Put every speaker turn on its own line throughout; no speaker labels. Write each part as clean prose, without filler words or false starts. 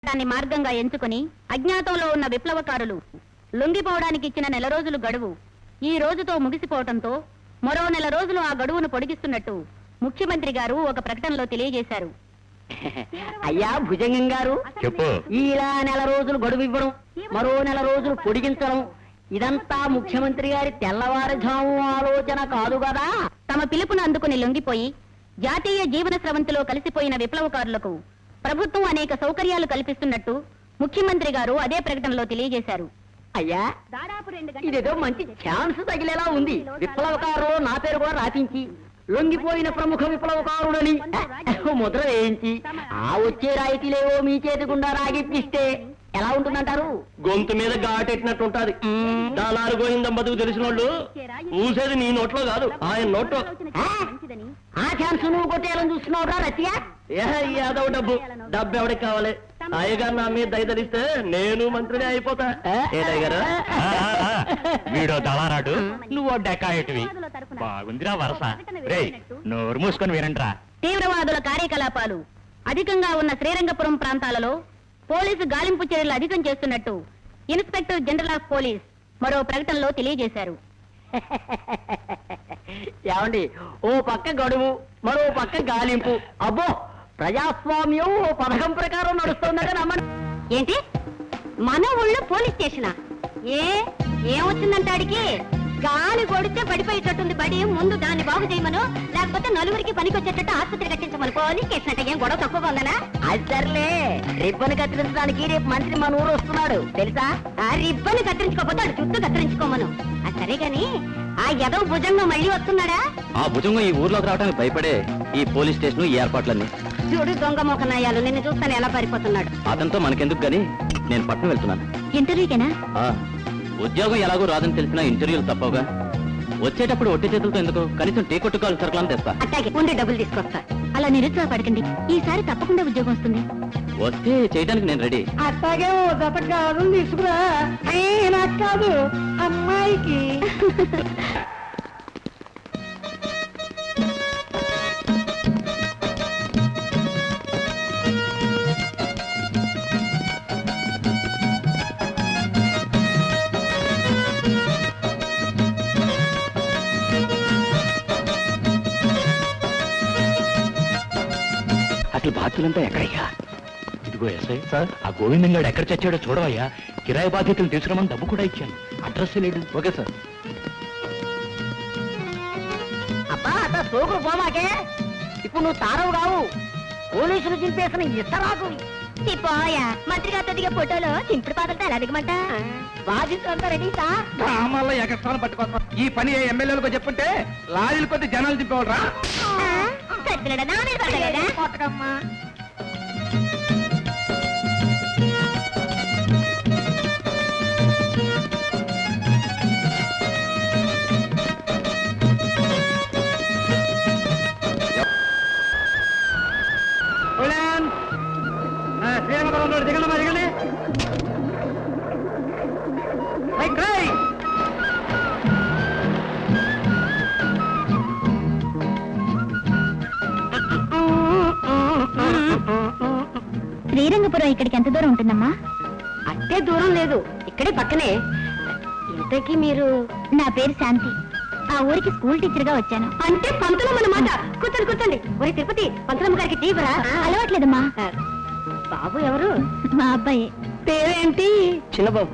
దాన్ని మార్గంగా ఎంచుకుని అజ్ఞాతంలో ఉన్న విప్లవకారులు లొంగిపోవడానికి ఇచ్చిన నెల రోజులు గడువు ఈ రోజుతో ముగిసిపోవడంతో మరో నెల రోజులు ఆ గడువును పొడిగిస్తున్నట్టు ముఖ్యమంత్రి గారు ఒక ప్రకటనలో తెలియజేశారు.
అయ్యా భుజంగం గారు,
చెప్పు.
ఇలా నెల రోజులు గడువు ఇవ్వడం, మరో నెల రోజులు పొడిగించడం, ఇదంతా ముఖ్యమంత్రి గారి తెల్లవారుజాము ఆలోచన కాదు కదా?
తమ పిలుపును అందుకుని లొంగిపోయి జాతీయ జీవన స్రవంతిలో కలిసిపోయిన విప్లవకారులకు ప్రభుత్వం అనేక సౌకర్యాలు కల్పిస్తున్నట్టు ముఖ్యమంత్రి గారు అదే ప్రకటనలో తెలియజేశారు.
అయ్యా, ఇదేదో మంచి ఛాన్స్ తగిలేలా ఉంది. విప్లవకారులు నా పేరు కూడా రాపించి లొంగిపోయిన ప్రముఖ విప్లవకారుడని ముద్ర వేయించి ఆ వచ్చే రాయితీలేవో మీ చేతి గుండా రాగిప్పిస్తే ఎలా ఉంటుందంటారు?
గొంతు మీద ఘాటెట్టినట్టు ఉంటది. దానాలు గోయిందం బతుకు తెలిసిన వాళ్ళు ఊసేది నీ నోట్లో కాదు, ఆయన నోట్లో.
ఆ ఛాన్స్ నువ్వు కొట్టేయాలని చూస్తున్నావురా రతియా?
యాదవ్ డబ్బు ఎవడికి కావాలి? అయ్యగారు నా మీద దయదలిస్తే నేను మంత్రిని అయిపోతా.
వీడో దళారాడు, నువ్వు డెకాయటివి. బాగుందిరా వరస. రేయ్, నోరు మూసుకొని వినండ్రా.
తీవ్రవాదుల కార్యకలాపాలు అధికంగా ఉన్న శ్రీరంగపురం ప్రాంతాలలో పోలీసు గాలింపు చర్యలు అధికం చేస్తున్నట్టు ఇన్స్పెక్టర్ జనరల్ ఆఫ్ పోలీస్ మరో ప్రకటనలో తెలియజేశారు.
ఏమండి, ఓ పక్క గడువు, మరో పక్క గాలింపు. అబ్బో, ప్రజాస్వామ్యం ఓ పథకం ప్రకారం నడుస్తుందట నమ్మండి.
ఏంటి, మన ఊళ్ళో పోలీస్ స్టేషనా? ఏమొచ్చిందంటాడికి? గాలి కొడితే పడిపోయేటట్టుంది బడి. ముందు దాన్ని బాగు చేయమను, లేకపోతే నలుగురికి పనికొచ్చేటట్టు ఆసుపత్రి కట్టించమను. పోలీస్ స్టేషన్ అంటే ఏం గొడవ తక్కువగా ఉందనా?
అది సర్లే, రిబ్బన్ కత్తిరించడానికి రేపు మంత్రి మన ఊరు వస్తున్నాడు తెలుసా?
ఆ రిబ్బన్ కత్తిరించుకోకపోతే అది జుట్టు కత్తిరించుకోమను. సరే గాని ఆ ఎదవ భుజంగం మళ్ళీ వస్తున్నాడా?
ఆ భుజంగం ఈ ఊర్లోకి రావడానికి భయపడే ఈ పోలీస్ స్టేషన్ ఈ ఏర్పాట్లన్నీ.
చూడు దొంగ మోకనాయాలు, నిన్ను చూస్తాను ఎలా పారిపోతున్నాడు.
అతనితో మనకెందుకు గాని నేను పట్నం వెళ్తున్నాను.
ఇంటర్వ్యూకేనా?
ఉద్యోగం ఎలాగో రాదని తెలిసినా ఇంటర్వ్యూలు తప్పవుగా. వచ్చేటప్పుడు ఒట్టి చేతులతో ఎందుకు, కనీసం టీ కొట్టుకోవాలి సరుకులను తెస్తా.
అట్టాగే ఉండి డబ్బులు తీసుకొస్తా. అలా నిరుత్సాహపడకండి, ఈసారి తప్పకుండా ఉద్యోగం వస్తుంది.
వస్తే చేయడానికి నేను రెడీ.
అట్టాగే ఓ జత కాదు తీసుకురా. నాకు కాదు, అమ్మాయికి.
అసలు బాధ్యులంతా ఎక్కడయ్యా? ఇదిగో ఎస్ఐ సార్, ఆ గోవిందం గారు ఎక్కడ చచ్చాడో చూడవయ్యా. కిరాయి బాధ్యతలు తీసుకురామని డబ్బు కూడా ఇచ్చాను. అడ్రస్ లేడు. Okay sir.
అబ్బా, అత సోకులు పోమాకే. ఇప్పుడు నువ్వు తారవు కావు, పోలీసులు చింపేసిన ఇస్తరాకు.
పోయా, మంత్రి గారితో దిగే ఫోటోలో చింపుడు పాదలతో ఎలా దిగమంట?
బాధితులంతా రెడీ సార్.
గ్రామాల్లో ఎగస్ట్రాలు పట్టుకోస్తాం. ఈ పని ఎమ్మెల్యేలకు చెప్పుంటే లారీలు కొద్ది జనాలు దింపేవాళ్ళరా?
కొట్టకమ్మా.
శ్రీరంగపురం దిగండి దిగండి.
శ్రీరంగపురం ఇక్కడికి ఎంత దూరం ఉంటుందమ్మా?
అట్టే దూరం లేదు, ఇక్కడే పక్కనే. ఇంతకీ మీరు?
నా పేరు శాంతి. ఆ ఊరికి స్కూల్ టీచర్ గా వచ్చాను.
అంటే పంతులమ్మ అన్నమాట. కూర్చోండి కూర్చోండి. ఒరే తిరుపతి, పంతులమ్మ గారికి టీవరా?
అలవాట్లేదమ్మా.
బాబు ఎవరు?
మా అబ్బాయి.
పేరేంటి?
చిన్నబాబు.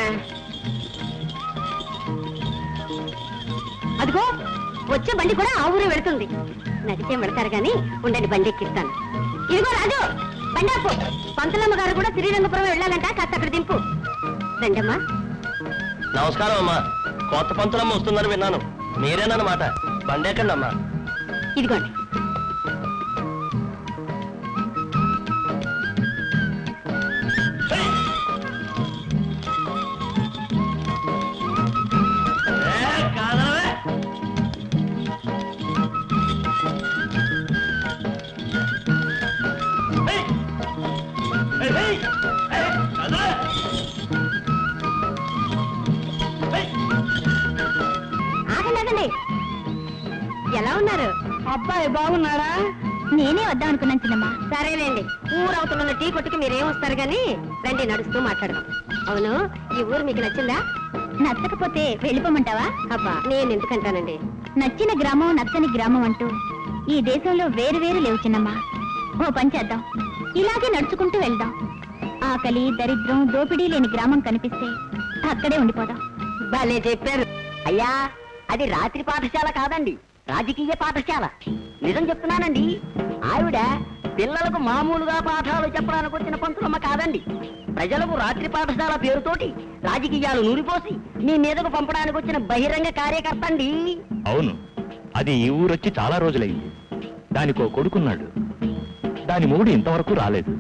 అదిగో వచ్చే బండి కూడా ఆ ఊరే వెళుతుంది. నడిచే వెళతారు గాని ఉండండి, బండి ఎక్కిస్తాను. ఇదిగో రాజు, బండి ఆపు. పంతులమ్మ గారు కూడా శ్రీరంగపురం వెళ్ళాలంట, కాస్త అక్కడ దింపు. రండమ్మా.
నమస్కారం అమ్మా. కొత్త పంతులమ్మ వస్తుందని విన్నాను, మీరేనన్నమాట. బండెక్కండి అమ్మా.
ఇదిగోండి. ఆగండి. ఎలా ఉన్నారు?
అబ్బాయి బాగున్నాడా? నేనే వద్దాం అనుకున్నాను చిన్నమ్మ.
సరేలేండి, ఊరవుతున్న టీ కొట్టుకి మీరేం వస్తారు గాని రండి, నడుస్తూ మాట్లాడదాం. అవును, ఈ ఊరు మీకు నచ్చిందా?
నచ్చకపోతే వెళ్ళిపోమంటావా?
అబ్బా, నేను ఎందుకంటానండి.
నచ్చిన గ్రామం నచ్చని గ్రామం అంటూ ఈ దేశంలో వేరు వేరు లేవు చిన్నమ్మ. ఓ పని చేద్దాం, ఇలాగే నడుచుకుంటూ వెళ్దాం. ఆకలి, దరిద్రం, దోపిడీ లేని గ్రామం కనిపిస్తే అక్కడే ఉండిపోదాం.
భలే చెప్పారు.
అయ్యా, అది రాత్రి పాఠశాల కాదండి, రాజకీయ పాఠశాల. నిజం చెప్తున్నానండి. ఆవిడ పిల్లలకు మామూలుగా పాఠాలు చెప్పడానికి వచ్చిన పంతులమ్మ కాదండి. ప్రజలకు రాత్రి పాఠశాల పేరుతోటి రాజకీయాలు నూరిపోసి మీ మీదకు పంపడానికి వచ్చిన బహిరంగ కార్యకర్త అండి.
అవును, అది ఈ ఊరొచ్చి చాలా రోజులైంది. దానికో కొడుకున్నాడు. దాని మూడు ఇంతవరకు రాలేదు.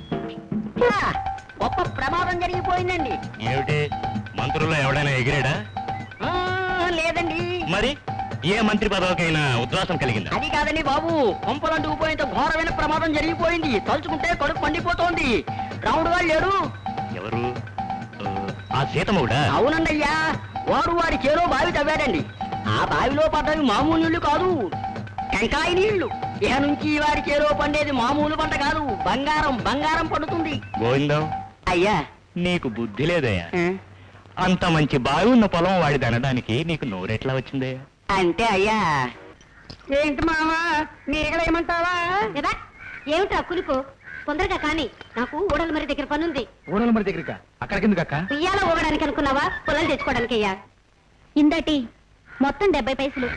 గొప్ప ప్రమాదం జరిగిపోయిందండి.
ఏమిటి, మంత్రుల్లో ఎవడైనా ఎగిరాడా?
లేదండి.
మరి ఏ మంత్రి పదవికైనా ఉద్వాసం కలిగిందా?
అది కాదండి బాబు, కొంపలంటూ పోయేంత ఘోరమైన ప్రమాదం జరిగిపోయింది. తలుచుకుంటే కడుపు పండిపోతోంది. రాముడు గారు లేడు.
ఎవరు? ఆ సీతమ్మగుడా?
అవునండి అయ్యా, వాడు వాడి చేలో బావి తవ్వాడండి. ఆ బావిలో పడ్డవి మామూలు నీళ్లు కాదు, టెంకాయ నీళ్లు. ఇహ నుంచి వాడి చేలో పండేది మామూలు పంట కాదు, బంగారం బంగారం పండుతుంది.
గోవిందం,
అయ్యా
నీకు బుద్ధి లేదయ్యా. అంత మంచి బావి ఉన్న పొలం వాడిది అనడానికి నీకు నోరెట్లా వచ్చిందయ్యా?
అంటే అయ్యా. ఏంటి మావా, నీగలేమంటావా?
కదా ఏమిటా కులుపు? తొందరగా కానీ, నాకు ఊడల మరి దగ్గర పనుంది.
ఊడల మరి దగ్గరికి అక్కడికి ఎందుకు అక్క?
ఉయ్యాల ఊగడానికి అనుకున్నావా, పొలాలు తెచ్చుకోవడానికి అయ్యా?
ఇందటి మొత్తం 70 పైసలు.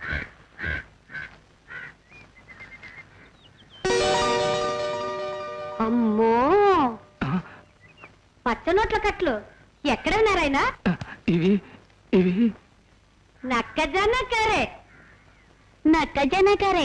అమ్మో, పచ్చనోట్ల కట్లు ఎక్కడ ఉన్నారాయన?
ఇవి ఇవి
నక్కజొన్న కరే.
నక్కజనకరే.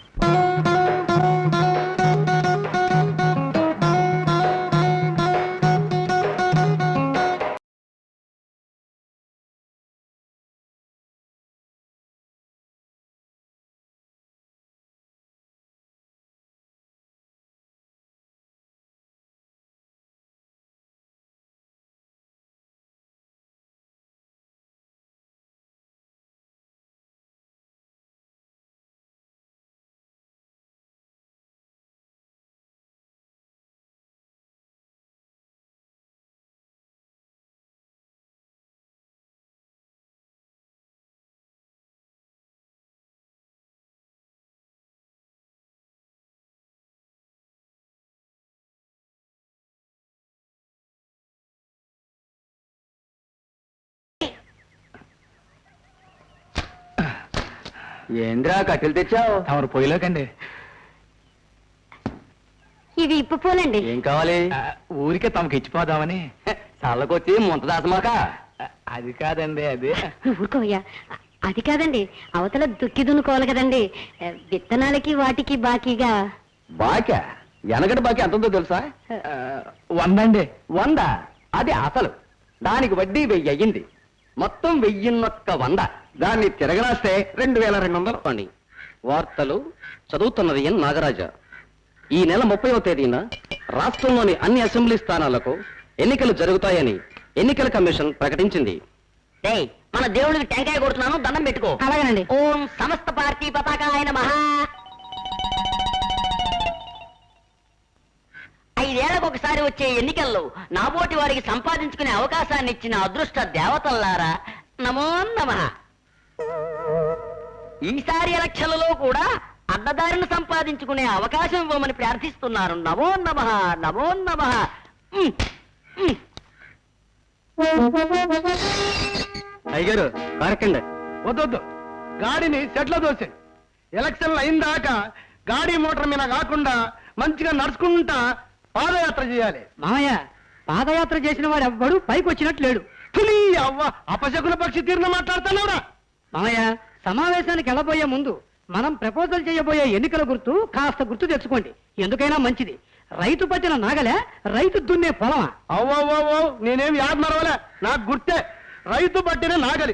ఏంద్రా కట్టెలు తెచ్చావు? తమరు పొయ్యిలోకండి.
ఇవి ఇప్పు పూలండి.
ఏం కావాలి? ఊరికే తమకు ఇచ్చిపోదామని. చల్లకొచ్చి ముంత దాసమాక. అది కాదండి, అది
ఊరుకోయ్యా, అది కాదండి, అవతల దుక్కి దున్నుకోవాలి కదండి, విత్తనాలకి వాటికి బాకీగా.
బాకా? ఎనగటి బాకీ ఎంతంతో తెలుసా? 100 అండి. 100? అది అసలు. దానికి వడ్డీ 1000 అయ్యింది. మొత్తం 1100. దాన్ని తిరగరాస్తే 2200 అని. వార్తలు చదువుతున్నది ఎన్ నాగరాజ. ఈ నెల 30వ తేదీన రాష్ట్రంలోని అన్ని అసెంబ్లీ స్థానాలకు ఎన్నికలు జరుగుతాయని ఎన్నికల కమిషన్ ప్రకటించింది.
మన దేవుడికి టెంకాయ కొడుతున్నాను, దండం పెట్టుకో.
అలాగేనండి.
ఓం సమస్త పార్టీ పతాకాయ నమః. 5 ఏళ్లకు ఒకసారి వచ్చే ఎన్నికల్లో నాబోటి వారికి సంపాదించుకునే అవకాశాన్ని ఇచ్చిన అదృష్ట దేవతల్లారా, నమో నమః. ఈసారి ఎలక్షన్లలో కూడా అడ్డదారిని సంపాదించుకునే అవకాశం ఇవ్వమని ప్రార్థిస్తున్నారు. నమో నమః, నమో నమః.
అయ్యగారు కారకండి. వద్దొద్దు, గాడిని సెట్లో దోసే. ఎలక్షన్లు అయిన దాకా గాడి మోటార్ మీద కాకుండా మంచిగా నడుచుకుంటా పాదయాత్ర చేయాలి.
మామయ్య, పాదయాత్ర చేసిన వాడు ఎవ్వడు పైకి వచ్చినట్టు లేడు.
అవ్వ, అపశకున పక్షి తీరున మాట్లాడుతున్నావురా.
మామయ్య, సమావేశానికి వెళ్ళబోయే ముందు మనం ప్రపోజల్ చేయబోయే ఎన్నికల గుర్తు కాస్త గుర్తు తెచ్చుకోండి. ఎందుకైనా మంచిది. రైతు పట్టిన నాగలే, రైతు దున్నే పొలమా?
అవ్వో, నేనేం యాద్ మరవలే. నాకు గుర్తే, రైతు పట్టిన నాగలి,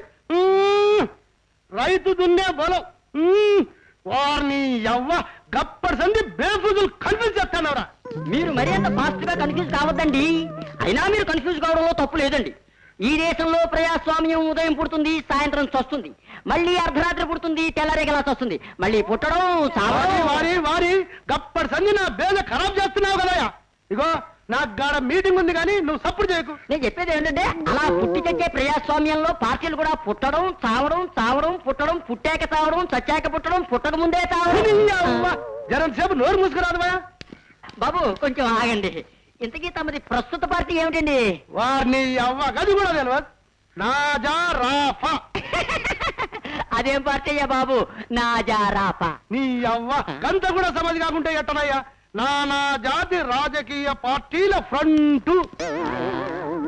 రైతు దున్నే పొలం. వారిని ఎవ్వ గప్పటి సంది బేఫుజులు కన్ఫ్యూజ్ చేస్తానవరా.
మీరు మరీ అంత ఫాస్ట్ గా కన్ఫ్యూజ్ కావద్దండి. అయినా మీరు కన్ఫ్యూజ్ కావడంలో తప్పు లేదండి. ఈ దేశంలో ప్రజాస్వామ్యం ఉదయం పుడుతుంది, సాయంత్రం చస్తుంది, మళ్ళీ అర్ధరాత్రి పుడుతుంది, తెల్లరేగలా చస్తుంది, మళ్ళీ పుట్టడం
వారి గప్పటి సంది నా బేద ఖరాబ్ చేస్తున్నావు కదా. ఇగో నాకు గాడ మీటింగ్ ఉంది కానీ నువ్వు సపోర్ట్ చేయకు.
నేను చెప్పేది ఏంటంటే అలా పుట్టి చచ్చే ప్రజాస్వామ్యంలో పార్టీలు కూడా పుట్టడం చావడం, చావడం పుట్టడం, పుట్టాక చావడం, చచ్చాక పుట్టడం, పుట్టక ముందే చావడం.
జనం సేపు నోరు మూసుకురాదువా.
బాబు కొంచెం ఆగండి. ఇంతకీ తమది ప్రస్తుత పార్టీ ఏమిటండి?
వారిని అవ్వ గది కూడా తెలియదు. నాజా రాఫా.
అదేం పార్టీ అయ్యా బాబు? నాజారాపా.
నీ అవ్వ గంత కూడా సమాధి కాకుంటే ఎట్టనయ్యా. నానా జాతి రాజకీయ పార్టీల ఫ్రంట్.